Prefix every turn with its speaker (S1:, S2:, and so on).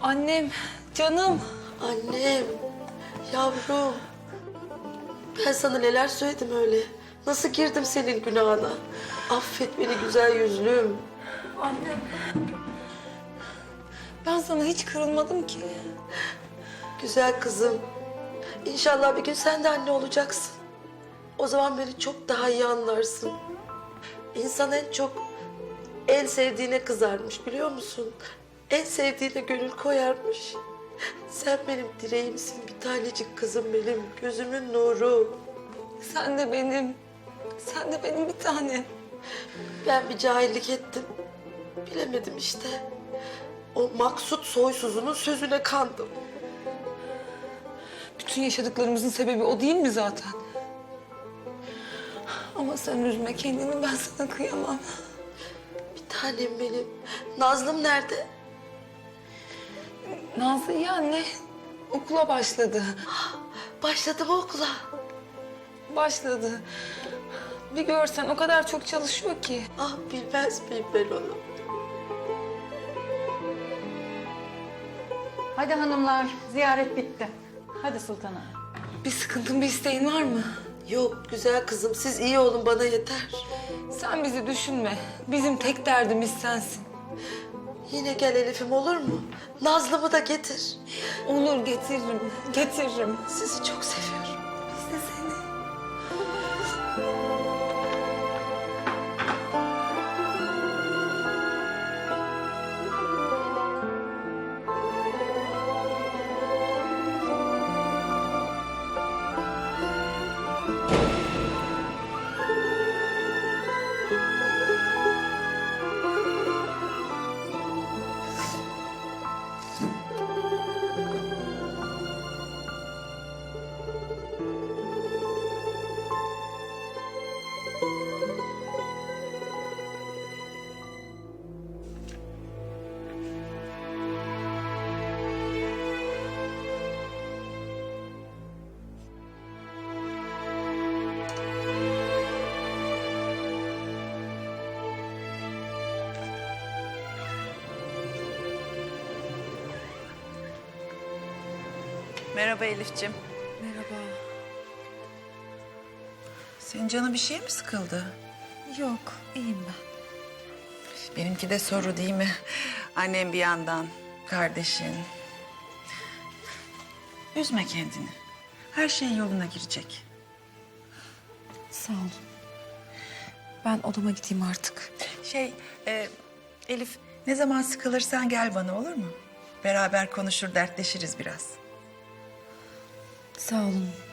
S1: Annem, canım.
S2: Annem, yavrum. Ben sana neler söyledim öyle. Nasıl girdim senin günahına? Affet beni güzel yüzlüm.
S1: Annem. Ben sana hiç kırılmadım ki.
S2: Güzel kızım. İnşallah bir gün sen de anne olacaksın. O zaman beni çok daha iyi anlarsın. İnsan en çok en sevdiğine kızarmış biliyor musun? En sevdiğine gönül koyarmış. Sen benim dileğimsin, bir tanecik kızım benim, gözümün nuru.
S1: Sen de benim. Sen de benim bir tanem.
S2: Ben bir cahillik ettim. Bilemedim işte. O maksut soysuzunun sözüne kandım.
S1: Bütün yaşadıklarımızın sebebi o değil mi zaten? Ama sen üzme kendini, ben sana kıyamam.
S2: Bir tanem benim. Nazlım nerede?
S1: Nazlı iyi anne. Okula başladı.
S2: Başladı mı okula?
S1: Başladı. Bir görsen o kadar çok çalışıyor ki.
S2: Ah bilmez miyim ben onu?
S3: Hadi hanımlar, ziyaret bitti. Hadi sultanım.
S1: Bir sıkıntın, bir isteğin var mı?
S2: Yok güzel kızım, siz iyi olun bana yeter.
S1: Sen bizi düşünme. Bizim tek derdimiz sensin.
S2: Yine gel Elif'im olur mu? Nazlı'mı da getir.
S1: Olur, getiririm. Getiririm.
S2: Sizi çok seviyorum.
S1: Biz de seni.
S4: Merhaba Elif'ciğim.
S1: Merhaba.
S4: Senin canı bir şey mi sıkıldı?
S1: Yok, iyiyim ben.
S4: Benimki de soru değil mi? Annem bir yandan, kardeşin. Üzme kendini. Her şey yoluna girecek.
S1: Sağ olun. Ben odama gideyim artık.
S4: Elif ne zaman sıkılırsan gel bana olur mu? Beraber konuşur, dertleşiriz biraz.
S1: Sağ olun.